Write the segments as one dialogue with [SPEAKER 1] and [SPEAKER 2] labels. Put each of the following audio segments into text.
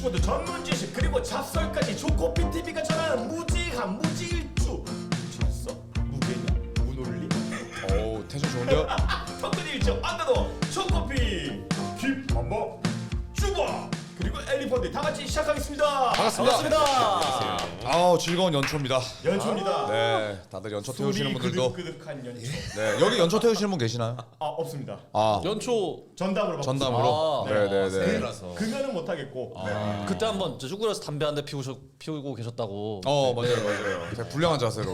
[SPEAKER 1] 댄스코드 전문 지식 그리고 잡설까지 조코피 TV가 전하는 무지한 무지일주. 무지했어? 무게냐? 무논리?
[SPEAKER 2] 오 텐션 좋은데요?
[SPEAKER 1] 턱근일주 안나도 초코피 힙한번 쭈바 그리고 엘리펀드 다 같이 시작하겠습니다.
[SPEAKER 2] 반갑습니다. 아우 즐거운 연초입니다.
[SPEAKER 1] 연초입니다.
[SPEAKER 2] 네, 다들 연초 태우시는
[SPEAKER 1] 소리
[SPEAKER 2] 분들도
[SPEAKER 1] 그득그득한 연초.
[SPEAKER 2] 네 여기 연초 태우시는 분 계시나요?
[SPEAKER 1] 아 없습니다.
[SPEAKER 2] 아
[SPEAKER 3] 연초
[SPEAKER 1] 전담으로
[SPEAKER 2] 전담으로.
[SPEAKER 3] 아,
[SPEAKER 2] 네네네.
[SPEAKER 4] 새해라서.
[SPEAKER 1] 그거는 못 하겠고. 네.
[SPEAKER 3] 그때 한번 쭈그려서 담배 한 대 피우고 계셨다고.
[SPEAKER 2] 맞아요. 되게 불량한 자세로.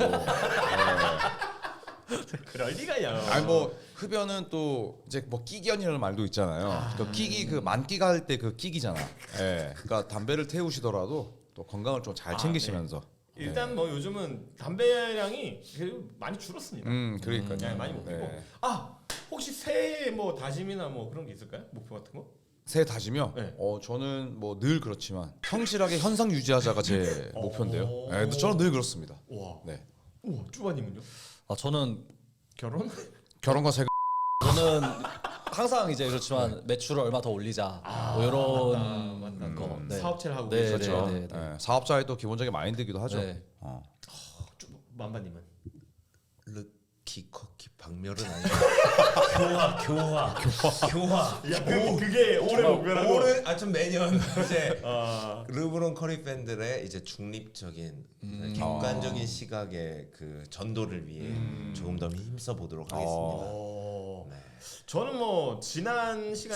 [SPEAKER 1] 그럴 리가요.
[SPEAKER 2] 아니 뭐 흡연은 또 이제 뭐 끼견이라는 말도 있잖아요. 그 끼기 그 만끼가 할 때 그 끼기잖아. 예. 그러니까 담배를 태우시더라도 또 건강을 좀 잘 챙기시면서.
[SPEAKER 1] 일단 뭐 요즘은 담배량이 그래도 많이 줄었습니다.
[SPEAKER 2] 그러니까요.
[SPEAKER 1] 네, 많이 못 피고.
[SPEAKER 2] 네.
[SPEAKER 1] 아 혹시 새해 뭐 다짐이나 뭐 그런 게 있을까요? 목표 같은 거?
[SPEAKER 2] 새해 다짐이요?
[SPEAKER 1] 네.
[SPEAKER 2] 저는 뭐 늘 그렇지만 성실하게 현상 유지하자가 제 목표인데요. 네, 저는 늘 그렇습니다.
[SPEAKER 1] 와.
[SPEAKER 2] 네.
[SPEAKER 1] 우와 쭈바님은요?
[SPEAKER 3] 아 저는
[SPEAKER 1] 결혼?
[SPEAKER 2] 결혼과 세금.
[SPEAKER 3] 저는 항상 이제 그렇지만 매출을 얼마 더 올리자 뭐 이런 거. 네.
[SPEAKER 1] 사업체를 하고
[SPEAKER 3] 네,
[SPEAKER 1] 계시죠.
[SPEAKER 3] 네, 네.
[SPEAKER 2] 네, 사업자의 또 기본적인 마인드기도 하죠.
[SPEAKER 3] 네.
[SPEAKER 1] 만바님은?
[SPEAKER 4] 르키 커키 박멸은 아니고 교화.
[SPEAKER 1] 야 그게 올해 목표라고.
[SPEAKER 4] 올해 좀 매년 이제
[SPEAKER 1] 아
[SPEAKER 4] 르브론 커리 팬들의 이제 중립적인 객관적인 시각의 그 전도를 위해 조금 더 힘써 보도록 하겠습니다. 네.
[SPEAKER 1] 저는 뭐 지난 시간에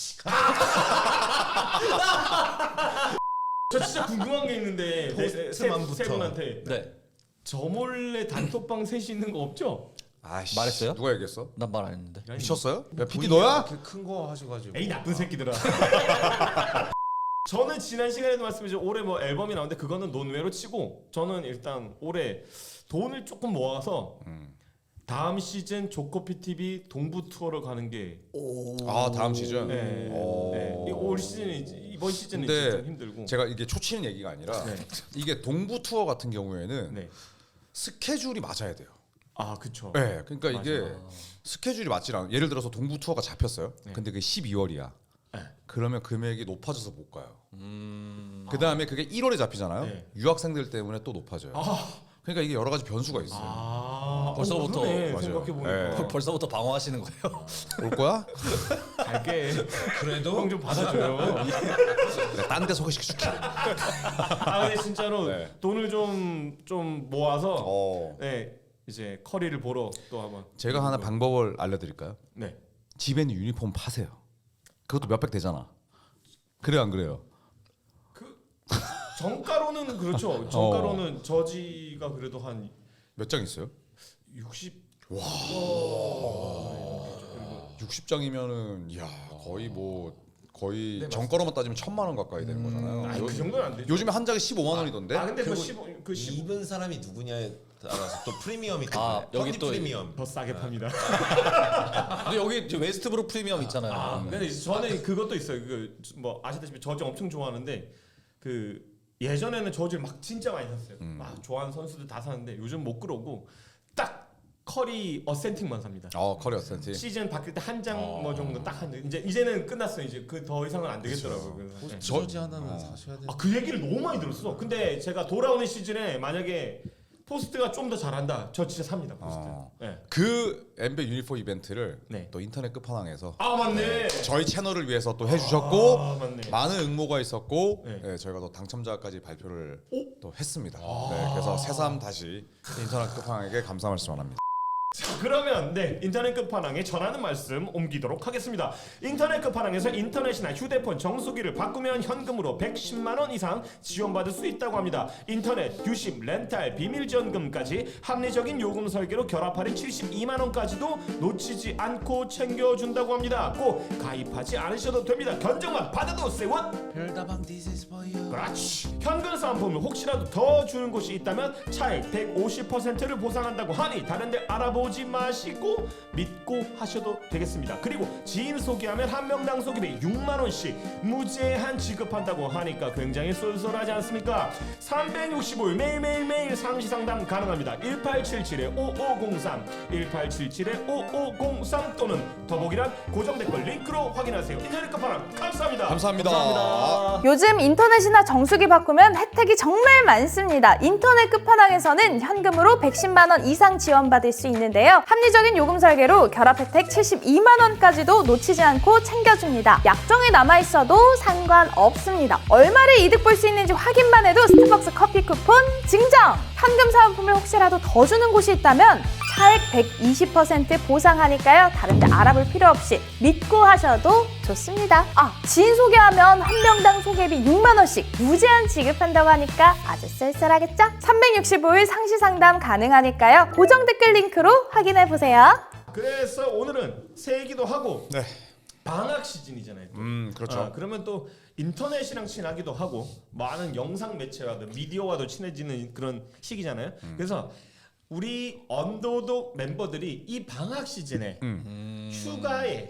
[SPEAKER 1] 저 진짜 궁금한 게 있는데
[SPEAKER 4] 포스트만부터.
[SPEAKER 1] 세 분한테
[SPEAKER 3] 네.
[SPEAKER 1] 저 몰래 단톡방 셋이 있는 거 없죠?
[SPEAKER 2] 아이씨,
[SPEAKER 3] 말했어요?
[SPEAKER 2] 누가 얘기했어?
[SPEAKER 3] 난 말 안 했는데.
[SPEAKER 2] 미쳤어요? 야 PD 너야?
[SPEAKER 4] 이렇게 큰 거 하셔가지고.
[SPEAKER 1] 에이 나쁜 새끼들아. 저는 지난 시간에도 말씀드렸죠. 올해 뭐 앨범이 나오는데 그거는 논외로 치고 저는 일단 올해 돈을 조금 모아서 다음 시즌 조코피 TV 동부 투어를 가는 게
[SPEAKER 2] 아 다음 시즌.
[SPEAKER 1] 네. 네. 올 시즌이 이번 시즌은
[SPEAKER 2] 근데
[SPEAKER 1] 좀 힘들고.
[SPEAKER 2] 제가 이게 초치는 얘기가 아니라 이게 동부 투어 같은 경우에는
[SPEAKER 1] 네.
[SPEAKER 2] 스케줄이 맞아야 돼요.
[SPEAKER 1] 아 그쵸.
[SPEAKER 2] 네, 그러니까
[SPEAKER 1] 맞아.
[SPEAKER 2] 이게 스케줄이 맞질 않아. 예를 들어서 동부 투어가 잡혔어요. 근데 그게 12월이야.
[SPEAKER 1] 네.
[SPEAKER 2] 그러면 금액이 높아져서 못 가요. 그 다음에 그게 1월에 잡히잖아요.
[SPEAKER 1] 네.
[SPEAKER 2] 유학생들 때문에 또 높아져요. 그러니까 이게 여러 가지 변수가 있어요.
[SPEAKER 3] 벌써부터
[SPEAKER 2] 맞아요.
[SPEAKER 1] 생각해 보니까
[SPEAKER 2] 네.
[SPEAKER 3] 벌써부터 방어하시는 거예요.
[SPEAKER 2] 올 거야?
[SPEAKER 1] 갈게.
[SPEAKER 4] 그래도
[SPEAKER 1] 형 좀 받아줘요.
[SPEAKER 2] 내가 딴 데 소개시켜줄게.
[SPEAKER 1] 아 근데 진짜로
[SPEAKER 2] 네.
[SPEAKER 1] 돈을 좀 모아서
[SPEAKER 2] 어.
[SPEAKER 1] 네 이제 커리를 보러 또 한번.
[SPEAKER 2] 제가 하나 방법을 알려드릴까요?
[SPEAKER 1] 네.
[SPEAKER 2] 집에 있는 유니폼 파세요. 그것도 몇백 되잖아. 그래요 안 그래요?
[SPEAKER 1] 그 정가로는 그렇죠. 정가로는 저지가 그래도 한
[SPEAKER 2] 몇 장 있어요?
[SPEAKER 1] 60.
[SPEAKER 2] 60장이면은 야 거의 거의
[SPEAKER 1] 네,
[SPEAKER 2] 정가로만 따지면 1,000만 원 가까이 되는 거잖아요.
[SPEAKER 1] 아니 그 정도는 안 되죠.
[SPEAKER 2] 요즘에 한 장에 15만 원이던데.
[SPEAKER 1] 아 근데 그
[SPEAKER 4] 그리고
[SPEAKER 1] 15, 그 15.
[SPEAKER 4] 입은 사람이 누구냐에 따라서 또 프리미엄이
[SPEAKER 3] 아, 여기
[SPEAKER 4] 여기
[SPEAKER 3] 또
[SPEAKER 4] 프리미엄.
[SPEAKER 1] 더 싸게 팝니다.
[SPEAKER 3] 근데 여기 이제 웨스트브룩 프리미엄 있잖아요.
[SPEAKER 1] 근데 이제 저는 그것도 있어요. 그 뭐 아시다시피 저지 엄청 좋아하는데 그 예전에는 저지를 막 진짜 많이 샀어요. 막 좋아하는 선수들 다 사는데 요즘 못 그러고 딱 커리 어센팅만 삽니다.
[SPEAKER 2] 커리 어센티.
[SPEAKER 1] 시즌 바뀔 때 한 장 뭐 정도 딱 한 이제는 끝났어요. 이제 그 더 이상은 안 되겠더라고요. 그래서 네.
[SPEAKER 4] 저지 하나는 사셔야 돼.
[SPEAKER 1] 그 얘기를 너무 많이 들었어. 근데 제가 돌아오는 시즌에 만약에 포스트가 좀 더 잘한다. 저 진짜 삽니다. 포스트. 네.
[SPEAKER 2] 그 NBA 유니폼 이벤트를
[SPEAKER 1] 네.
[SPEAKER 2] 또 인터넷 끝판왕에서
[SPEAKER 1] 아 맞네.
[SPEAKER 2] 저희 채널을 위해서 또 해주셨고
[SPEAKER 1] 아, 맞네.
[SPEAKER 2] 많은 응모가 있었고
[SPEAKER 1] 네.
[SPEAKER 2] 네, 저희가 또 당첨자까지 발표를 또 했습니다. 네, 그래서 새삼 다시 인터넷 끝판왕에게 감사 말씀합니다.
[SPEAKER 1] 자, 그러면 네 인터넷 끝판왕에 전하는 말씀 옮기도록 하겠습니다. 인터넷 끝판왕에서 인터넷이나 휴대폰 정수기를 바꾸면 현금으로 110만 원 이상 지원받을 수 있다고 합니다. 인터넷, 유심, 렌탈, 비밀 지원금까지 합리적인 요금 설계로 결합 할인 72만 원까지도 놓치지 않고 챙겨준다고 합니다. 꼭 가입하지 않으셔도 됩니다. 견적만 받아도 세원.
[SPEAKER 4] 별다방 This is for you.
[SPEAKER 1] 그렇지. 현금 사은품을 혹시라도 더 주는 곳이 있다면 차액 150%를 보상한다고 하니 다른 데 알아보는 보지 마시고 믿고 하셔도 되겠습니다. 그리고 지인 소개하면 한 명당 소개비 6만 원씩 무제한 지급한다고 하니까 굉장히 쏠쏠하지 않습니까? 365일 매일매일 상시 상담 가능합니다. 1877-5503 1877-5503 또는 더보기란 고정 댓글 링크로 확인하세요. 인터넷 끝판왕 감사합니다.
[SPEAKER 2] 감사합니다.
[SPEAKER 5] 요즘 인터넷이나 정수기 바꾸면 혜택이 정말 많습니다. 인터넷 끝판왕에서는 현금으로 110만 원 이상 지원받을 수 있는데요. 합리적인 요금 설계로 결합 혜택 72만 원까지도 놓치지 않고 챙겨줍니다. 약정이 남아있어도 상관없습니다. 얼마를 이득 볼 수 있는지 확인만 해도 스타벅스 커피 쿠폰 증정! 현금 사은품을 혹시라도 더 주는 곳이 있다면 차액 120% 보상하니까요. 다른 데 알아볼 필요 없이 믿고 하셔도 좋습니다. 지인 소개하면 한 명당 소개비 6만 원씩 무제한 지급한다고 하니까 아주 쏠쏠하겠죠? 365일 상시 상담 가능하니까요. 고정 댓글 링크로 확인해 보세요.
[SPEAKER 1] 그래서 오늘은 새기도 하고
[SPEAKER 2] 네.
[SPEAKER 1] 방학 시즌이잖아요. 또.
[SPEAKER 2] 그렇죠.
[SPEAKER 1] 그러면 또 인터넷이랑 친하기도 하고 많은 영상 매체와도 미디어와도 친해지는 그런 시기잖아요. 그래서 우리 언더독 멤버들이 이 방학 시즌에 휴가에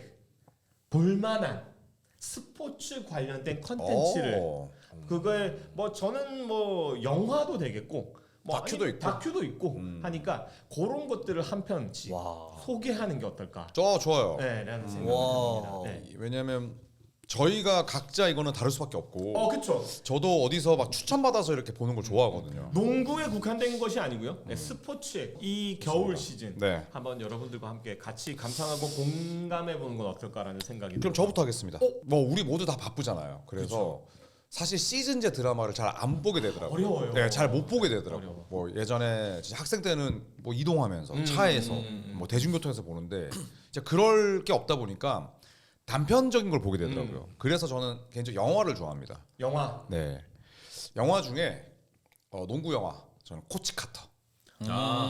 [SPEAKER 1] 볼만한 스포츠 관련된 컨텐츠를 그걸 뭐 저는 뭐 영화도 되겠고 뭐 다큐도 있고 하니까 그런 것들을 한 편씩 소개하는 게 어떨까?
[SPEAKER 2] 좋아요.
[SPEAKER 1] 네, 라는 생각이 듭니다. 네.
[SPEAKER 2] 왜냐면 저희가 각자 이거는 다를 수밖에 없고
[SPEAKER 1] 그렇죠.
[SPEAKER 2] 저도 어디서 막 추천받아서 이렇게 보는 걸 좋아하거든요.
[SPEAKER 1] 농구에 국한된 것이 아니고요. 네, 스포츠에 이 겨울 시즌
[SPEAKER 2] 네.
[SPEAKER 1] 한번 여러분들과 함께 같이 감상하고 공감해 보는 건 어떨까라는 생각이
[SPEAKER 2] 그럼
[SPEAKER 1] 들어요.
[SPEAKER 2] 저부터 하겠습니다. 뭐 우리 모두 다 바쁘잖아요. 그래서 사실 시즌제 드라마를 잘 안 보게 되더라고요.
[SPEAKER 1] 어려워요.
[SPEAKER 2] 네, 잘 못 보게 되더라고요.
[SPEAKER 1] 어려워.
[SPEAKER 2] 뭐 예전에 진짜 학생 때는 뭐 이동하면서 차에서 뭐 대중교통에서 보는데 이제 그럴 게 없다 보니까 단편적인 걸 보게 되더라고요. 그래서 저는 개인적으로 영화를 좋아합니다.
[SPEAKER 1] 영화.
[SPEAKER 2] 네, 영화 중에 농구 영화 저는 코치 카터.
[SPEAKER 1] 네.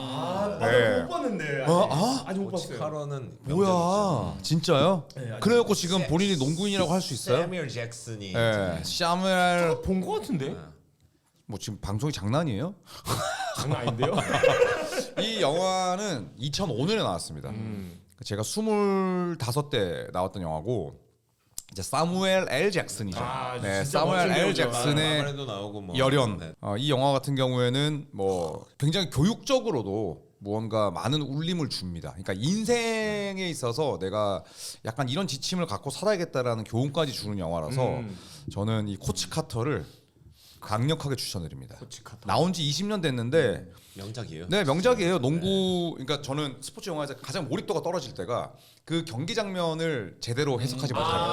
[SPEAKER 2] 네.
[SPEAKER 1] 못 봤는데. 아직 못 봤어요.
[SPEAKER 4] 코치카로는
[SPEAKER 2] 뭐야, 진짜요?
[SPEAKER 1] 네, 아직
[SPEAKER 2] 그래갖고 지금 본인이 농구인이라고 할 수 있어요?
[SPEAKER 4] 세뮤얼 잭슨이
[SPEAKER 2] 네, 샤멜
[SPEAKER 1] 본것 같은데.
[SPEAKER 2] 뭐 지금 방송이 장난이에요?
[SPEAKER 1] 장난 아닌데요?
[SPEAKER 2] 이 영화는 2005년에 나왔습니다. 제가 25대 나왔던 영화고 이제 사무엘 L 잭슨이죠. 네,
[SPEAKER 1] 진짜
[SPEAKER 2] 사무엘
[SPEAKER 1] 멋진
[SPEAKER 2] L
[SPEAKER 1] 배우죠.
[SPEAKER 2] 잭슨의
[SPEAKER 4] 마마레도 나오고 뭐
[SPEAKER 2] 열연.
[SPEAKER 4] 네.
[SPEAKER 2] 이 영화 같은 경우에는 뭐 굉장히 교육적으로도 무언가 많은 울림을 줍니다. 그러니까 인생에 있어서 내가 약간 이런 지침을 갖고 살아야겠다라는 교훈까지 주는 영화라서 저는 이 코치 카터를 강력하게 추천드립니다.
[SPEAKER 1] 코치 카터.
[SPEAKER 2] 나온 지 20년 됐는데
[SPEAKER 4] 명작이에요.
[SPEAKER 2] 네, 명작이에요. 농구, 그러니까 저는 스포츠 영화에서 가장 몰입도가 떨어질 때가 그 경기 장면을 제대로 해석하지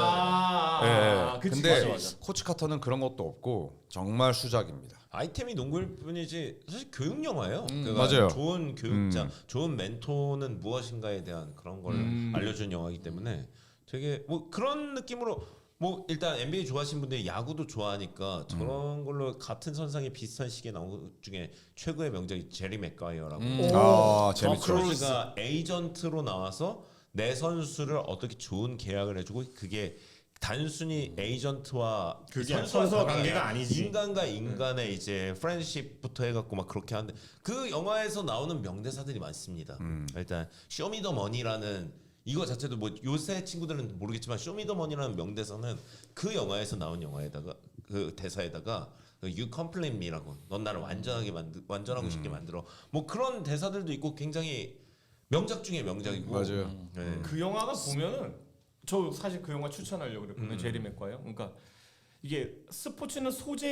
[SPEAKER 2] 못하는.
[SPEAKER 1] 그치,
[SPEAKER 2] 근데
[SPEAKER 1] 맞아.
[SPEAKER 2] 코치 카터는 그런 것도 없고 정말 수작입니다.
[SPEAKER 4] 아이템이 농구일 뿐이지 사실 교육 영화예요.
[SPEAKER 2] 맞아요.
[SPEAKER 4] 좋은 교육자, 좋은 멘토는 무엇인가에 대한 그런 걸 알려준 영화이기 때문에 되게 뭐 그런 느낌으로 뭐 일단 NBA 좋아하시는 분들이 야구도 좋아하니까 저런 걸로 같은 선상에 비슷한 시기에 나온 것 중에 최고의 명작이 제리 맥과이어라고.
[SPEAKER 2] 재밌죠.
[SPEAKER 4] 크루즈가 에이전트로 나와서 내 선수를 어떻게 좋은 계약을 해주고 그게 단순히 에이전트와
[SPEAKER 1] 그게
[SPEAKER 4] 선수와
[SPEAKER 1] 선수와
[SPEAKER 4] 다르게
[SPEAKER 1] 관계가 아니지.
[SPEAKER 4] 인간과 인간의 이제 프렌드십부터 해갖고 막 그렇게 하는데 그 영화에서 나오는 명대사들이 많습니다. 일단 쇼미더머니라는 이거 자체도 뭐 요새 친구들은 모르겠지만 쇼미더머니라는 명대사는 그 영화에서 나온 영화에다가 그 대사에다가 You complete me라고 넌 나를 완전하고 싶게 만들어 뭐 그런 대사들도 있고 굉장히 명작 중에 명작이고
[SPEAKER 2] 맞아요.
[SPEAKER 4] 네.
[SPEAKER 1] 그 영화가 보면은 저 사실 그 영화 추천하려고 그랬거든요. 제리 맥과이어. 그러니까 이게 스포츠는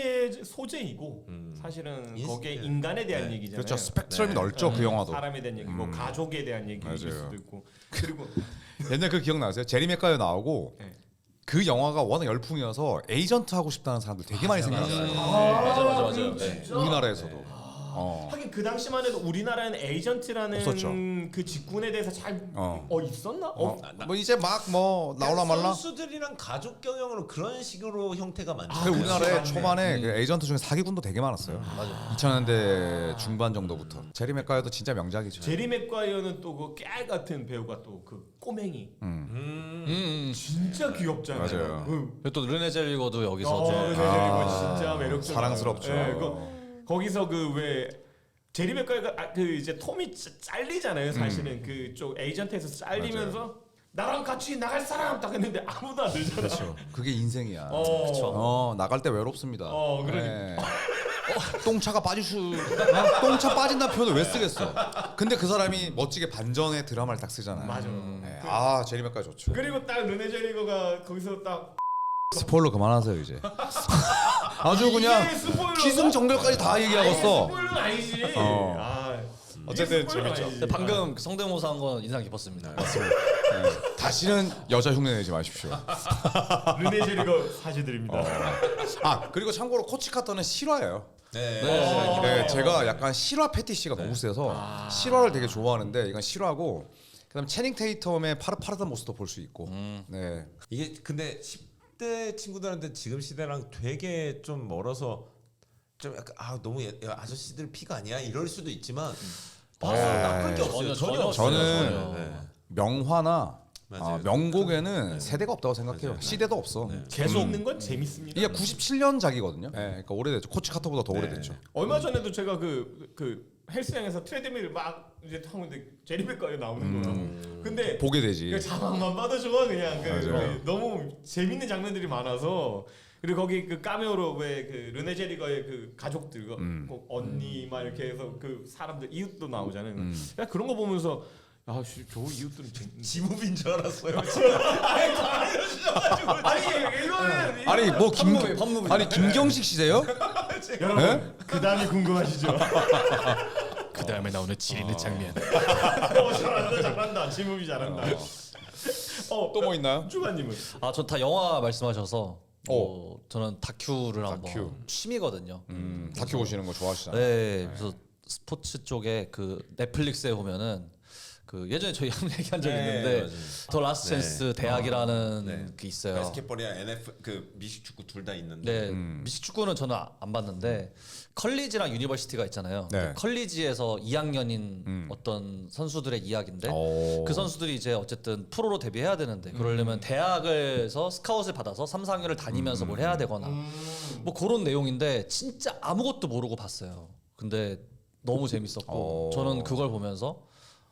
[SPEAKER 1] 소재이고 사실은 거기에
[SPEAKER 4] 네.
[SPEAKER 1] 인간에 대한
[SPEAKER 4] 네.
[SPEAKER 1] 얘기잖아요.
[SPEAKER 2] 그렇죠. 스펙트럼이 넓죠. 그 영화도.
[SPEAKER 1] 사람에 대한 얘기고 가족에 대한 얘기일
[SPEAKER 2] 맞아요.
[SPEAKER 1] 수도 있고 그리고
[SPEAKER 2] 옛날 그 기억나세요? 제리 맥과이어 나오고
[SPEAKER 1] 네.
[SPEAKER 2] 그 영화가 워낙 열풍이어서 에이전트 하고 싶다는 사람들 되게 많이 생겼어요.
[SPEAKER 3] 맞아.
[SPEAKER 1] 진짜?
[SPEAKER 2] 우리나라에서도.
[SPEAKER 1] 하긴 그 당시만 해도 우리나라는 에이전트라는
[SPEAKER 2] 없었죠.
[SPEAKER 1] 그 직군에 대해서 잘 있었나?
[SPEAKER 2] 뭐 이제 막 뭐 나올라 말라.
[SPEAKER 4] 선수들이랑 가족 경영으로 그런 식으로 형태가 많죠.
[SPEAKER 2] 그 우리나라에
[SPEAKER 1] 맞네.
[SPEAKER 2] 초반에 그 에이전트 중에 사기꾼도 되게 많았어요. 맞아. 2000년대 중반 정도부터. 제리 맥과이어도 진짜 명작이죠.
[SPEAKER 1] 제리 맥과이어는 또 그 깨알 같은 배우가 또 그 꼬맹이 진짜 귀엽잖아요.
[SPEAKER 2] 맞아요.
[SPEAKER 1] 응.
[SPEAKER 3] 또 르네 젤리거도 여기서 좀
[SPEAKER 1] 네, 진짜 매력적.
[SPEAKER 2] 사랑스럽죠.
[SPEAKER 1] 거기서 그 왜 제리 맥과가 그 이제 톰이 잘리잖아요. 사실은 그쪽 에이전트에서 잘리면서 나랑 같이 나갈 사람 딱 했는데 아무도 안 들잖아.
[SPEAKER 2] 그렇죠. 그게 인생이야.
[SPEAKER 1] 그쵸.
[SPEAKER 2] 나갈 때 외롭습니다.
[SPEAKER 1] 그러니까.
[SPEAKER 2] 네. 똥차가 똥차 빠진다는 표현을 왜 쓰겠어? 근데 그 사람이 멋지게 반전의 드라마를 딱 쓰잖아요.
[SPEAKER 1] 맞아.
[SPEAKER 2] 네. 제리 맥과 좋죠.
[SPEAKER 1] 그리고 딱 르네 제리거가 거기서 딱
[SPEAKER 2] 스포일러 그만하세요 이제. 아주 그냥
[SPEAKER 1] 이게 스포일러가?
[SPEAKER 2] 기승전결까지 다 얘기하겠어.
[SPEAKER 1] 스포일러는 아니지.
[SPEAKER 2] 어쨌든
[SPEAKER 1] 이게 스포일러는
[SPEAKER 2] 재밌죠.
[SPEAKER 1] 아니지.
[SPEAKER 3] 근데 방금 성대모사 한 건 인상 깊었습니다.
[SPEAKER 2] 다시는 여자 흉내 내지 마십시오.
[SPEAKER 1] 르네 제리거 사죄드립니다.
[SPEAKER 2] 그리고 참고로 코치 카터는 실화예요.
[SPEAKER 4] 네.
[SPEAKER 2] 네, 제가 약간 실화 패티시가 너무 세서 실화를 되게 좋아하는데 이건 실화고 그다음 채닝 테이텀의 파릇파릇한 모습도 볼 수 있고. 네.
[SPEAKER 4] 이게 근데 10대 친구들한테 지금 시대랑 되게 좀 멀어서 좀 약간 너무 아저씨들 피가 아니야 이럴 수도 있지만 나쁠 게 없어요. 전혀 없어요.
[SPEAKER 2] 저는
[SPEAKER 4] 네.
[SPEAKER 2] 명화나
[SPEAKER 4] 맞아요.
[SPEAKER 2] 명곡에는 세대가 없다고 생각해요.
[SPEAKER 4] 맞아요.
[SPEAKER 2] 시대도 없어.
[SPEAKER 1] 계속 있는 건 재밌습니다.
[SPEAKER 2] 이게 97년작이거든요. 네, 그러니까 오래됐죠. 코치 카터보다 더 오래됐죠.
[SPEAKER 1] 얼마 전에도 제가 그 헬스장에서 트레드밀 막 이제 하고 있는데 제리 맥과에 나오는 거라고. 근데
[SPEAKER 2] 보게 되지.
[SPEAKER 1] 그 자막만 봐도 좋아 그냥
[SPEAKER 2] 맞아요.
[SPEAKER 1] 너무 재밌는 장면들이 많아서 그리고 거기 그 카메오로 왜 그 르네 제리거의 그 가족들 그 언니 막 이렇게 해서 그 사람들 이웃도 나오잖아요. 그냥 그런 거 보면서 저 이웃들은
[SPEAKER 4] 지무빈 줄 알았어요.
[SPEAKER 1] 아니 이거는
[SPEAKER 2] 아니 뭐
[SPEAKER 3] 법무부.
[SPEAKER 2] 아니 김경식 씨세요?
[SPEAKER 1] 여러분
[SPEAKER 2] 네?
[SPEAKER 1] 그 다음이 궁금하시죠?
[SPEAKER 6] 그 다음에 나오는 지리는 장면.
[SPEAKER 1] 잘한다 지무비 잘한다.
[SPEAKER 2] 또 뭐 있나요?
[SPEAKER 1] 주관님은
[SPEAKER 3] 전 다 영화 말씀하셔서 저는 다큐를
[SPEAKER 2] 다큐.
[SPEAKER 3] 한번 취미거든요.
[SPEAKER 2] 다큐 보시는 거 좋아하시잖아요.
[SPEAKER 3] 네, 그래서 스포츠 쪽에 그 넷플릭스에 보면은 그 예전에 저희 한번 얘기한 적이 있는데
[SPEAKER 4] 맞아요.
[SPEAKER 3] 더 라스트 찬스 대학이라는
[SPEAKER 4] 네.
[SPEAKER 3] 게 있어요.
[SPEAKER 4] 바스켓볼이랑 NF 그 미식 축구 둘 다 있는데.
[SPEAKER 3] 네, 미식 축구는 저는 안 봤는데 컬리지랑 유니버시티가 있잖아요.
[SPEAKER 2] 네.
[SPEAKER 3] 컬리지에서 2학년인 어떤 선수들의 이야기인데
[SPEAKER 2] 오.
[SPEAKER 3] 그 선수들이 이제 어쨌든 프로로 데뷔해야 되는데 그러려면 대학에서 스카웃을 받아서 3, 4학년을 다니면서 뭘 해야 되거나 뭐 그런 내용인데 진짜 아무것도 모르고 봤어요. 근데 너무 재밌었고 저는 그걸 보면서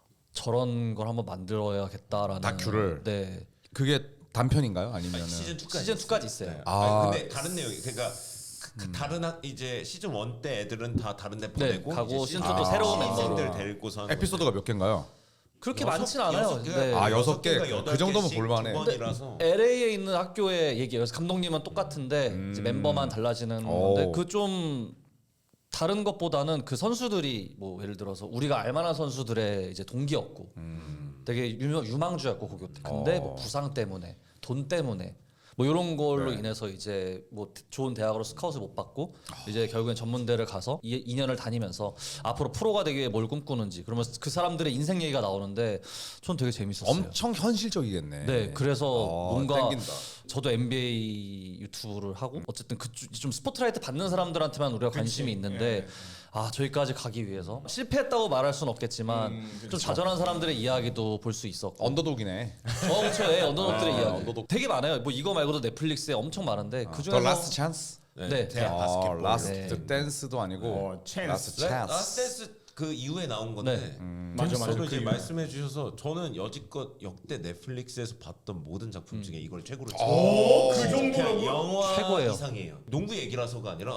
[SPEAKER 3] 저런 걸 한번 만들어야겠다라는
[SPEAKER 2] 다큐를?
[SPEAKER 3] 네.
[SPEAKER 2] 그게 단편인가요? 아니면은
[SPEAKER 4] 시즌 2까지
[SPEAKER 3] 시즌 2까지 있어요.
[SPEAKER 4] 네.
[SPEAKER 2] 아.
[SPEAKER 4] 근데 다른 내용이 그러니까 그 다른 이제 시즌 1 때 애들은 다 다른 데 보내고
[SPEAKER 3] 가고
[SPEAKER 4] 이제
[SPEAKER 3] 시즌 2도 새로운
[SPEAKER 4] 신생들
[SPEAKER 3] 멤버로.
[SPEAKER 4] 데리고서 하는
[SPEAKER 2] 에피소드가 몇 개인가요?
[SPEAKER 3] 그렇게 많진 않아요. 네.
[SPEAKER 2] 여섯 개. 그 정도면 볼만해.
[SPEAKER 4] 번이라서
[SPEAKER 3] LA에 있는 학교의 얘기예요. 그래서 감독님은 똑같은데 이제 멤버만 달라지는 건데 그 좀 다른 것보다는 그 선수들이 뭐 예를 들어서 우리가 알만한 선수들의 이제 동기였고 되게 유망주였고 고교 때. 근데 뭐 부상 때문에 돈 때문에 뭐 이런 걸로 인해서 이제 뭐 좋은 대학으로 스카웃을 못 받고 이제 결국엔 전문대를 가서 2년을 다니면서 앞으로 프로가 되기 위해 뭘 꿈꾸는지 그러면서 그 사람들의 인생 얘기가 나오는데 전 되게 재밌었어요.
[SPEAKER 2] 엄청 현실적이겠네.
[SPEAKER 3] 네, 그래서 뭔가
[SPEAKER 2] 땡긴다.
[SPEAKER 3] 저도 NBA 유튜브를 하고 어쨌든 좀 스포트라이트 받는 사람들한테만 우리가 관심이 있는데 저기까지 가기 위해서 실패했다고 말할 수는 없겠지만 좀 자잘한 사람들의 이야기도 볼 수 있었고
[SPEAKER 2] 언더독이네.
[SPEAKER 3] 그렇죠. 언더독들의 이야기 되게 많아요. 뭐 이거 말고도 넷플릭스에 엄청 많은데 그
[SPEAKER 2] 더
[SPEAKER 3] 중에서
[SPEAKER 2] 라스트 찬스.
[SPEAKER 3] 네.
[SPEAKER 4] 대학 바스켓볼
[SPEAKER 2] 라스트 댄스도 아니고
[SPEAKER 1] 찬스.
[SPEAKER 2] 라스트 찬스.
[SPEAKER 4] 라스트 그 이후에 나온 건데
[SPEAKER 1] 맞아.
[SPEAKER 4] 저도 이제
[SPEAKER 1] 그
[SPEAKER 4] 말씀해 주셔서 저는 여지껏 역대 넷플릭스에서 봤던 모든 작품 중에 이걸 최고로
[SPEAKER 1] 그 정도라고요?
[SPEAKER 4] 영화
[SPEAKER 3] 최고예요.
[SPEAKER 4] 이상이에요. 농구 얘기라서가 아니라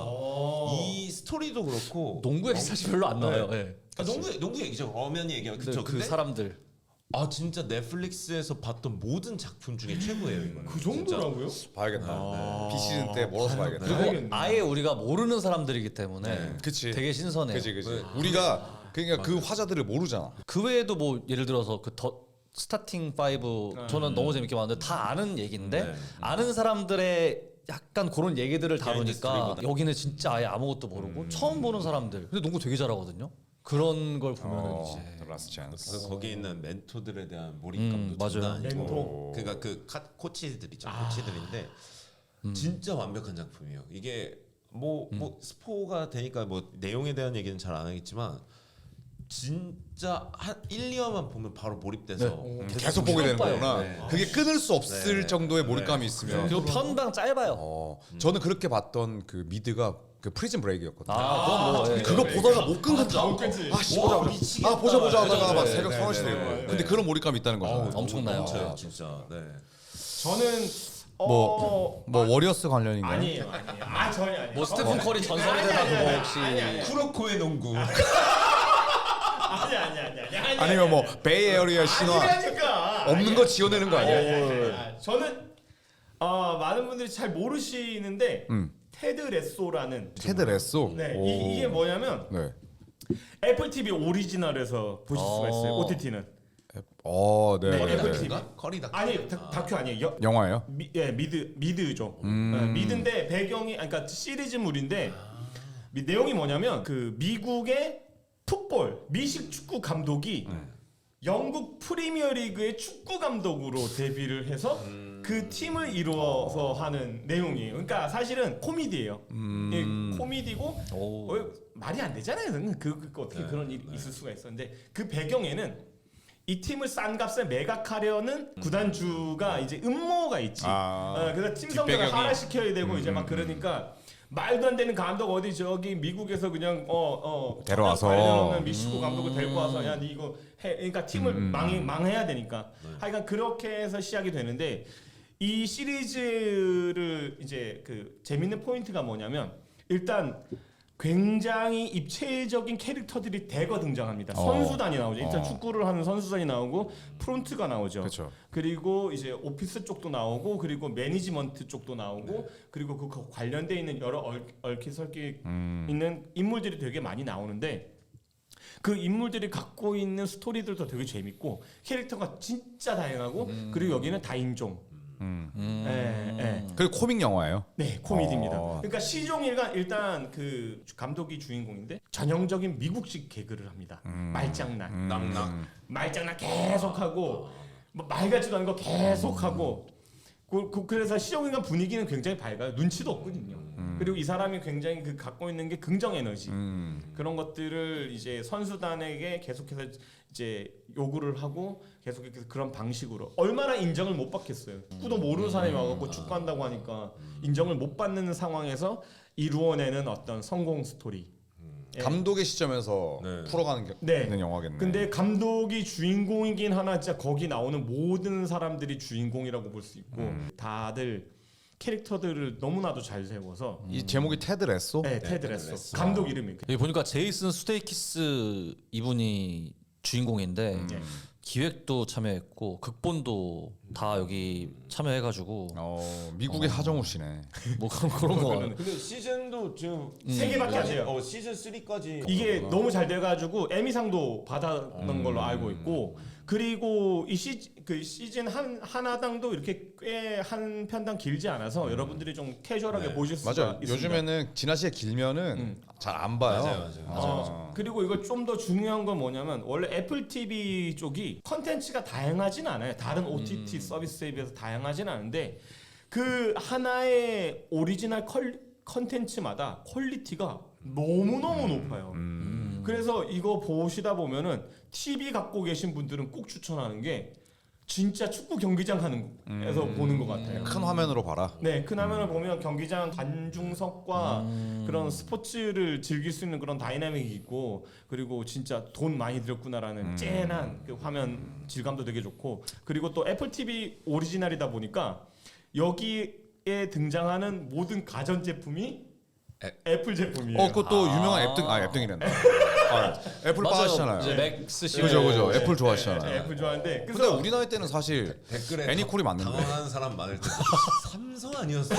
[SPEAKER 4] 이 스토리도 그렇고
[SPEAKER 3] 농구 얘기 사실 별로 안 나와요. 네.
[SPEAKER 4] 농구 얘기죠. 엄연히 얘기하면 그쵸.
[SPEAKER 3] 그
[SPEAKER 4] 근데
[SPEAKER 3] 사람들
[SPEAKER 4] 진짜 넷플릭스에서 봤던 모든 작품 중에 최고예요. 이거는.
[SPEAKER 1] 그 정도라고요?
[SPEAKER 2] 봐야겠다. 비시즌 때 몰아서 봐야겠다.
[SPEAKER 3] 그리고 아예 우리가 모르는 사람들이기 때문에
[SPEAKER 2] 그치.
[SPEAKER 3] 되게 신선해요.
[SPEAKER 2] 그치. 우리가 그러니까 그 화자들을 모르잖아.
[SPEAKER 3] 그 외에도 뭐 예를 들어서 그 더 스타팅 5 저는 너무 재밌게 봤는데 다 아는 얘기인데 아는 사람들의 약간 그런 얘기들을 다루니까
[SPEAKER 4] 스토리보다.
[SPEAKER 3] 여기는 진짜 아예 아무것도 모르고 처음 보는 사람들 근데 농구 되게 잘하거든요. 그런 걸 보면은 이제
[SPEAKER 2] 라스트 찬스.
[SPEAKER 4] 그래서 거기에 있는 멘토들에 대한 몰입감도
[SPEAKER 3] 맞아요.
[SPEAKER 4] 장난 아니고.
[SPEAKER 1] 멘토.
[SPEAKER 4] 그러니까 그 코치들이죠. 코치들인데 진짜 완벽한 작품이에요. 이게 뭐 스포가 되니까 뭐 내용에 대한 얘기는 잘 안 하겠지만 진짜 한 1, 2화만 보면 바로 몰입돼서
[SPEAKER 2] 계속 보게 되는
[SPEAKER 3] 봐요.
[SPEAKER 2] 거구나.
[SPEAKER 4] 네.
[SPEAKER 2] 그게 끊을 수 없을
[SPEAKER 4] 네.
[SPEAKER 2] 정도의 몰입감이 있으면.
[SPEAKER 3] 그리고 편당 짧아요.
[SPEAKER 2] 저는 그렇게 봤던 그 미드가 그 프리즌 브레이크였거든요.
[SPEAKER 3] 그건 뭐 예.
[SPEAKER 2] 그거 보다가 못 끊겠다.
[SPEAKER 1] 못 끊지.
[SPEAKER 2] 아씨
[SPEAKER 4] 와,
[SPEAKER 2] 보자
[SPEAKER 4] 미치겠다.
[SPEAKER 2] 아 보자 하다가 막
[SPEAKER 4] 네,
[SPEAKER 2] 새벽
[SPEAKER 4] 네,
[SPEAKER 2] 3, 4시
[SPEAKER 4] 네,
[SPEAKER 2] 되고.
[SPEAKER 4] 네,
[SPEAKER 2] 근데
[SPEAKER 4] 네.
[SPEAKER 2] 그런 몰입감이 있다는 거죠.
[SPEAKER 3] 엄청나요.
[SPEAKER 4] 넘쳐요, 진짜. 네.
[SPEAKER 1] 저는
[SPEAKER 2] 뭐 워리어스 관련인가요?
[SPEAKER 1] 아니에요. 전혀 아니에요.
[SPEAKER 3] 뭐 스테픈 커리 전설의 대사 그거 혹시
[SPEAKER 4] 쿠로코의 농구.
[SPEAKER 1] 아니.
[SPEAKER 2] 아니면 뭐 베이에어리아 신화
[SPEAKER 1] 아니라니까.
[SPEAKER 2] 없는 거 지어내는 거 아니에요?
[SPEAKER 1] 저는 많은 분들이 잘 모르시는데 테드 레소라는
[SPEAKER 2] 테드 레소.
[SPEAKER 1] 네,
[SPEAKER 2] 오.
[SPEAKER 1] 이게 뭐냐면
[SPEAKER 2] 네.
[SPEAKER 1] 애플 TV 오리지널에서 보실 수가 있어요. OTT는.
[SPEAKER 2] 네.
[SPEAKER 1] 네,
[SPEAKER 2] 네.
[SPEAKER 1] 애플
[SPEAKER 2] 네.
[SPEAKER 1] TV.
[SPEAKER 4] 커리 다큐.
[SPEAKER 1] 아니 다큐 아니에요.
[SPEAKER 2] 영화예요?
[SPEAKER 1] 미드죠. 미드인데 배경이 그러니까 시리즈물인데 내용이 뭐냐면 그 미국의 풋볼 미식 축구 감독이 영국 프리미어리그의 축구 감독으로 데뷔를 해서 그 팀을 이루어서 하는 내용이에요. 그러니까 사실은 코미디예요. 예, 코미디고
[SPEAKER 3] 오.
[SPEAKER 1] 말이 안 되잖아요. 그 어떻게 그런 일이 있을 수가 있었는데 그 배경에는 이 팀을 싼 값에 매각하려는 구단주가 이제 음모가 있지. 그래서 팀 성적을
[SPEAKER 2] 뒷배경이.
[SPEAKER 1] 하락시켜야 되고 이제 막 그러니까 말도 안 되는 감독 어디 저기 미국에서 그냥
[SPEAKER 2] 데려와서.
[SPEAKER 1] 없는 미식구 감독을 데리고 와서 야 니 이거 해. 그러니까 팀을 망해야 되니까. 하여간 그렇게 해서 시작이 되는데 이 시리즈를 이제 그 재밌는 포인트가 뭐냐면 일단 굉장히 입체적인 캐릭터들이 대거 등장합니다. 선수단이 나오죠. 일단 축구를 하는 선수단이 나오고 프론트가 나오죠.
[SPEAKER 2] 그쵸.
[SPEAKER 1] 그리고 이제 오피스 쪽도 나오고 그리고 매니지먼트 쪽도 나오고 그리고 그 관련돼 있는 여러 얽히설키 있는 인물들이 되게 많이 나오는데 그 인물들이 갖고 있는 스토리들도 되게 재밌고 캐릭터가 진짜 다양하고 그리고 여기는 다인종.
[SPEAKER 2] 그리고 코믹 영화예요.
[SPEAKER 1] 네, 코미디입니다. 그러니까 시종일관 일단 그 감독이 주인공인데 전형적인 미국식 개그를 합니다. 말장난, 말장난 계속하고 뭐 말 같지도 않은 거 계속하고 그래서 시종일관 분위기는 굉장히 밝아요. 눈치도 없거든요. 그리고 이 사람이 굉장히 그 갖고 있는 게 긍정 에너지 그런 것들을 이제 선수단에게 계속해서 이제 요구를 하고 계속해서 그런 방식으로 얼마나 인정을 못 받겠어요. 축구도 모르는 사람이 와갖고 축구한다고 하니까 인정을 못 받는 상황에서 이루어내는 어떤 성공 스토리. 예.
[SPEAKER 2] 감독의 시점에서
[SPEAKER 4] 네.
[SPEAKER 2] 풀어가는
[SPEAKER 1] 네.
[SPEAKER 2] 영화겠네.
[SPEAKER 1] 근데 감독이 주인공이긴 하나 진짜 거기 나오는 모든 사람들이 주인공이라고 볼 수 있고 다들 캐릭터들을 너무나도 잘 세워서
[SPEAKER 2] 이 제목이 테드 레소?
[SPEAKER 1] 네, 테드 레소. 감독 이름이
[SPEAKER 3] 여기 보니까 제이슨 스테이키스 이분이 주인공인데 기획도 참여했고 극본도 다 여기 참여해가지고
[SPEAKER 2] 미국의 하정우 씨네.
[SPEAKER 3] 뭐 그런 거 같아요.
[SPEAKER 4] 근데 시즌도 지금
[SPEAKER 1] 3개밖에 안 돼요.
[SPEAKER 4] 시즌 3까지
[SPEAKER 1] 이게 너무 잘 돼가지고 에미상도 받았던 걸로 알고 있고 그리고 이 시즌 하나당도 이렇게 꽤 한 편당 길지 않아서 여러분들이 좀 캐주얼하게 보실 수가
[SPEAKER 2] 맞아요.
[SPEAKER 1] 있습니다.
[SPEAKER 2] 요즘에는 지나치게 길면은 잘 안 봐요.
[SPEAKER 4] 맞아요.
[SPEAKER 1] 그리고 이거 좀 더 중요한 건 뭐냐면 원래 애플 TV 쪽이 컨텐츠가 다양하진 않아요. 다른 OTT 서비스에 비해서 다양하진 않은데 그 하나의 오리지널 컨텐츠마다 퀄리티가 너무너무 높아요. 그래서 이거 보시다 보면은 TV 갖고 계신 분들은 꼭 추천하는 게 진짜 축구 경기장 하는 에서 보는 것 같아요.
[SPEAKER 2] 큰 화면으로 봐라.
[SPEAKER 1] 네, 큰 화면을 보면 경기장 관중석과 그런 스포츠를 즐길 수 있는 그런 다이나믹이 있고 그리고 진짜 돈 많이 들였구나라는 쨍한 그 화면 질감도 되게 좋고 그리고 또 애플 TV 오리지널이다 보니까 여기에 등장하는 모든 가전 제품이 애플 제품이에요.
[SPEAKER 2] 그것도 유명한 앱등이란다. 애플 빠하시잖아요.
[SPEAKER 3] 이제 맥스 씨.
[SPEAKER 2] 그죠. 애플
[SPEAKER 1] 네,
[SPEAKER 2] 좋아하시잖아요.
[SPEAKER 1] 애플 좋아하는데
[SPEAKER 2] 근데
[SPEAKER 1] 그래서
[SPEAKER 2] 우리 나이 때는 사실
[SPEAKER 4] 댓글에
[SPEAKER 2] 애니콜이 맞는데.
[SPEAKER 4] 당황하는 사람 많을 때 삼성 아니었어?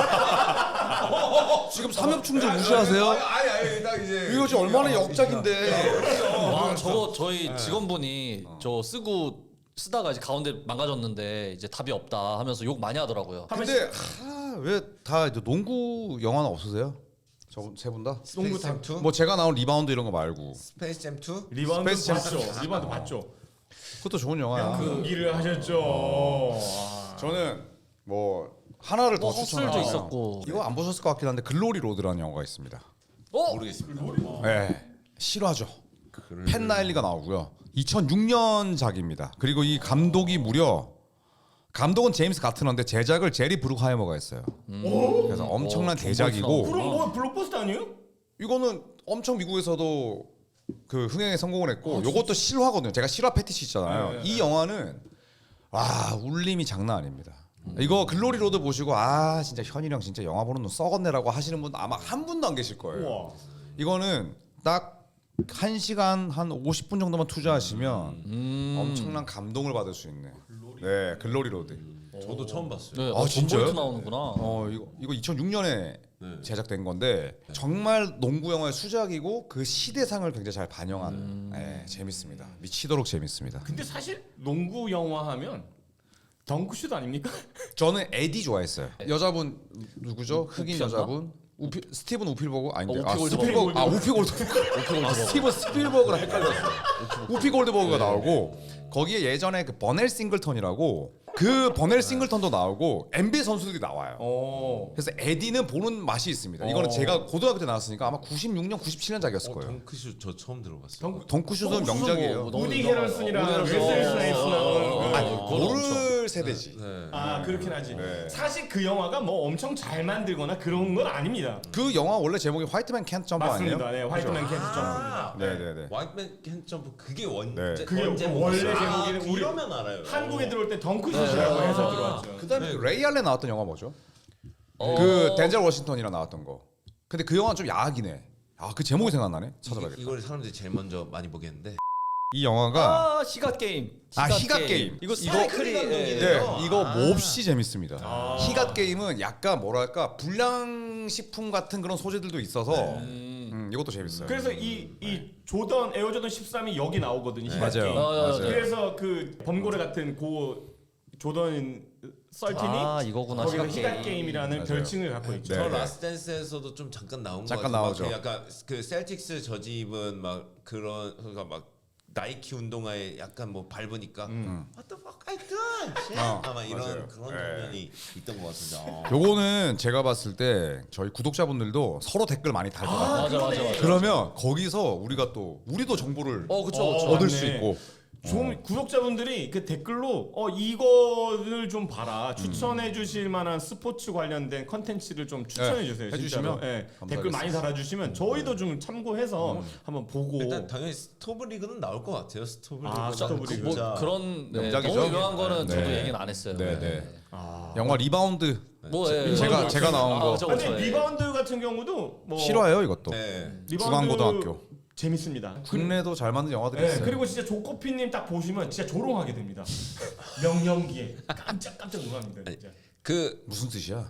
[SPEAKER 2] 지금 삼엽충전 무시하세요?
[SPEAKER 4] 아니 딱 이제
[SPEAKER 2] 이거 지금 얼마나 역작인데.
[SPEAKER 3] 와 저거 저희 직원분이 저 쓰다가 이제 가운데 망가졌는데 이제 답이 없다 하면서 욕 많이 하더라고요.
[SPEAKER 2] 근데 왜 다 농구 영화는 없으세요? 세 분 다?
[SPEAKER 1] 농구 다
[SPEAKER 2] 뭐 제가 나온 리바운드 이런 거 말고.
[SPEAKER 4] 스페이스 잼 2?
[SPEAKER 1] 리바운드
[SPEAKER 2] 스페이스
[SPEAKER 1] 봤죠. 리바운드 봤죠.
[SPEAKER 2] 그것도 좋은 영화야.
[SPEAKER 1] 경기를 하셨죠.
[SPEAKER 2] 저는 뭐 하나를 더
[SPEAKER 3] 허슬도
[SPEAKER 2] 추천하요.
[SPEAKER 3] 있었고.
[SPEAKER 2] 이거 안 보셨을 것 같긴 한데 글로리 로드라는 영화가 있습니다.
[SPEAKER 4] 모르겠습니다.
[SPEAKER 2] 네, 실화죠. 팬 나일리가 나오고요. 2006년작입니다. 그리고 이 감독이 무려 감독은 제임스 가트너인데 제작을 제리 브룩하이머가 했어요. 그래서 엄청난 대작이고
[SPEAKER 1] 그럼 뭐 블록버스터 아니에요?
[SPEAKER 2] 이거는 엄청 미국에서도 그 흥행에 성공을 했고 요것도 실화거든요. 제가 실화 패티시 있잖아요. 이 영화는 와 울림이 장난 아닙니다. 이거 글로리 로드 보시고 아 진짜 현이랑 진짜 영화 보는 눈 썩었네라고 하시는 분 아마 한 분도 안 계실 거예요.
[SPEAKER 1] 우와.
[SPEAKER 2] 이거는 딱 1시간 한 50분 정도만 투자하시면 엄청난 감동을 받을 수 있는 네 글로리 로드.
[SPEAKER 4] 저도 처음 봤어요.
[SPEAKER 3] 네,
[SPEAKER 2] 아, 진짜요?
[SPEAKER 3] 존 볼트 나오는구나.
[SPEAKER 2] 이거 2006년에 제작된 건데 정말 농구 영화의 수작이고 그 시대상을 굉장히 잘 반영한 네, 재밌습니다. 미치도록 재밌습니다.
[SPEAKER 1] 근데 사실 농구 영화 하면 덩크슛 아닙니까?
[SPEAKER 2] 저는 에디 좋아했어요. 여자분 누구죠? 흑인
[SPEAKER 3] 우피였나?
[SPEAKER 2] 여자분 스티븐 우필버그 아닌데
[SPEAKER 3] 우피 골드버그.
[SPEAKER 2] 스필버그 우피 골드버그 스티븐 스필버그랑 헷갈렸어. 우피 골드버그가 나오고 거기에 예전에 그 버넬 싱글턴이라고 그 버넬 싱글턴도 나오고 NBA 선수들이 나와요. 그래서 에디는 보는 맛이 있습니다. 이거는 제가 고등학교 때 나왔으니까 아마 96년 97년작이었을 거예요.
[SPEAKER 4] 덩크슛 저 처음 들어봤어요.
[SPEAKER 2] 덩크슛은 명작이에요.
[SPEAKER 3] 뭐
[SPEAKER 1] 우디 헤럴슨이랑
[SPEAKER 3] 우디
[SPEAKER 1] 웨슬리
[SPEAKER 3] 헤럴슨.
[SPEAKER 1] 스나이프스 나오는
[SPEAKER 2] 아니,
[SPEAKER 1] 거.
[SPEAKER 2] 모를 세대지.
[SPEAKER 1] 아 그렇긴 하지.
[SPEAKER 2] 네.
[SPEAKER 1] 사실 그 영화가 뭐 엄청 잘 만들거나 그런 건 아닙니다.
[SPEAKER 2] 그 영화 원래 제목이 화이트맨 캔트 점프 아니에요?
[SPEAKER 1] 맞습니다. 네, 화이트맨 캔트 점프입니다.
[SPEAKER 2] 네네네.
[SPEAKER 4] 화이트맨 캔 점프 그게
[SPEAKER 2] 네.
[SPEAKER 1] 그게 원래 제목이는 우리
[SPEAKER 4] 이러면 알아요.
[SPEAKER 1] 한국에 들어올 때 덩크슛이라고 해서 들어왔죠.
[SPEAKER 2] 그다음에 그 레이 알렌 나왔던 영화 뭐죠?
[SPEAKER 3] 어.
[SPEAKER 2] 그 덴젤 워싱턴이랑 나왔던 거. 근데 그 영화 좀 야하기네. 아 그 제목이 생각나네. 찾아봐야겠다.
[SPEAKER 4] 이걸 사람들이 제일 먼저 많이 보겠는데.
[SPEAKER 2] 이 영화가
[SPEAKER 3] 아 시각 게임.
[SPEAKER 2] 희갓 게임.
[SPEAKER 3] 이거
[SPEAKER 2] 이거
[SPEAKER 3] 스파이크리
[SPEAKER 2] 네 이거 몹시 재밌습니다. 희갓 게임은 약간 뭐랄까 불량식품 같은 그런 소재들도 있어서 이것도 재밌어요.
[SPEAKER 1] 그래서 이 조던 에어조던 13이 여기 나오거든요. 희갓
[SPEAKER 2] 맞아요.
[SPEAKER 1] 게임.
[SPEAKER 2] 맞아요.
[SPEAKER 1] 그래서 그 범고래 같은 고 조던 썰틴이
[SPEAKER 3] 아, 이거구나,
[SPEAKER 1] 거기서
[SPEAKER 3] 희갓
[SPEAKER 1] 희갓
[SPEAKER 3] 게임.
[SPEAKER 1] 게임이라는
[SPEAKER 2] 맞아요.
[SPEAKER 1] 별칭을 갖고 있죠.
[SPEAKER 2] 네.
[SPEAKER 4] 저 라스트 댄스에서도 좀 잠깐 나온 거
[SPEAKER 2] 잠깐
[SPEAKER 4] 같아요.
[SPEAKER 2] 나오죠.
[SPEAKER 4] 막 약간 그 셀틱스 저집은 막 그런 그러니까 막 나이키 운동화에 약간 뭐 밟으니까 What the fuck I done? 아마 이런
[SPEAKER 2] 맞아요.
[SPEAKER 4] 그런
[SPEAKER 2] 네.
[SPEAKER 4] 장면이 있던 것 같은데.
[SPEAKER 2] 요거는 제가 봤을 때 저희 구독자분들도 서로 댓글 많이 달고
[SPEAKER 3] 맞아.
[SPEAKER 2] 그러면 거기서 우리도 정보를
[SPEAKER 3] 그쵸.
[SPEAKER 2] 얻을
[SPEAKER 1] 맞네.
[SPEAKER 2] 수 있고
[SPEAKER 1] 좀 구독자분들이 그 댓글로 이거를 좀 봐라 추천해 주실 만한 스포츠 관련된 컨텐츠를 좀 추천해 주세요.
[SPEAKER 2] 해주시면
[SPEAKER 1] 진짜로. 네,
[SPEAKER 2] 감사하겠습니다.
[SPEAKER 1] 댓글 많이 달아주시면 저희도 좀 참고해서 한번 보고
[SPEAKER 4] 일단 당연히 스토브 리그는 나올 것 같아요. 스토브 리그.
[SPEAKER 1] 아, 스토브 리그.
[SPEAKER 3] 뭐
[SPEAKER 4] 진짜.
[SPEAKER 3] 그런 네,
[SPEAKER 2] 명작이죠.
[SPEAKER 3] 너무 유명한 거는
[SPEAKER 2] 네.
[SPEAKER 3] 저도
[SPEAKER 2] 네.
[SPEAKER 3] 얘기는 안 했어요.
[SPEAKER 2] 네네. 영화 리바운드
[SPEAKER 3] 뭐 예,
[SPEAKER 2] 제가 나온 거.
[SPEAKER 3] 그쵸,
[SPEAKER 1] 근데
[SPEAKER 3] 그쵸, 예.
[SPEAKER 1] 리바운드 같은 경우도 뭐
[SPEAKER 2] 실화예요 이것도.
[SPEAKER 4] 네.
[SPEAKER 1] 리바운드
[SPEAKER 2] 중앙고등학교.
[SPEAKER 1] 재밌습니다.
[SPEAKER 2] 국내도 잘 만든 영화들이
[SPEAKER 1] 네,
[SPEAKER 2] 있어요.
[SPEAKER 1] 그리고 진짜 조코피님 딱 보시면 진짜 조롱하게 됩니다. 명령기에 깜짝 놀랍니다. 진짜.
[SPEAKER 4] 그
[SPEAKER 2] 무슨 뜻이야?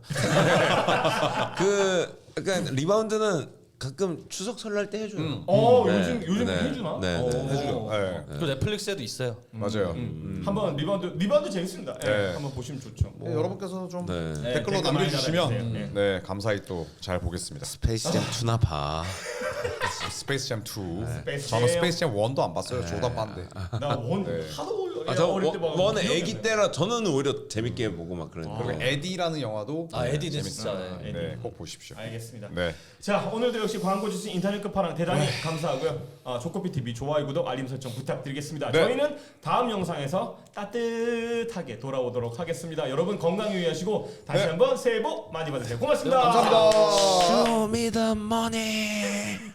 [SPEAKER 4] 약간 리바운드는 가끔 추석 설날 때 해줘요.
[SPEAKER 1] 요즘
[SPEAKER 4] 네.
[SPEAKER 1] 해주나?
[SPEAKER 4] 네, 네.
[SPEAKER 2] 해주죠. 네.
[SPEAKER 3] 그 넷플릭스에도 있어요.
[SPEAKER 2] 맞아요.
[SPEAKER 1] 한번 리바운드 재밌습니다. 네.
[SPEAKER 2] 네.
[SPEAKER 1] 한번 보시면 좋죠.
[SPEAKER 2] 네, 여러분께서 좀
[SPEAKER 4] 네.
[SPEAKER 2] 댓글로
[SPEAKER 1] 댓글 많이
[SPEAKER 2] 남겨주시면
[SPEAKER 1] 달아주세요.
[SPEAKER 2] 네 감사히 또 잘 보겠습니다.
[SPEAKER 4] 스페이스잼 2나 봐.
[SPEAKER 2] 스페이스잼 2.
[SPEAKER 1] 스페이스
[SPEAKER 2] 저는
[SPEAKER 1] 잼.
[SPEAKER 2] 스페이스잼 1도 안 봤어요. 조다 반데.
[SPEAKER 1] 나원
[SPEAKER 2] 네.
[SPEAKER 1] 하도
[SPEAKER 4] 저
[SPEAKER 1] 어릴 때 막.
[SPEAKER 4] 원은
[SPEAKER 1] 기억이
[SPEAKER 4] 애기
[SPEAKER 1] 안 나요.
[SPEAKER 4] 때라 저는 오히려 재밌게 보고 막 그랬는데.
[SPEAKER 2] 그리고 에디라는 영화도
[SPEAKER 3] 에디는
[SPEAKER 2] 재밌어요.
[SPEAKER 3] 진짜,
[SPEAKER 2] 네, 꼭 보십시오.
[SPEAKER 1] 알겠습니다.
[SPEAKER 2] 네.
[SPEAKER 1] 자 오늘도 역시 광고 주신 인터넷 끝판왕 대단히 감사하고요. 조코피 TV 좋아요 구독 알림 설정 부탁드리겠습니다.
[SPEAKER 2] 네.
[SPEAKER 1] 저희는 다음 영상에서 따뜻하게 돌아오도록 하겠습니다. 여러분 건강 유의하시고 다시
[SPEAKER 2] 네.
[SPEAKER 1] 한번 새해 복 많이 받으세요. 고맙습니다.
[SPEAKER 2] 감사합니다.
[SPEAKER 4] Show me the money.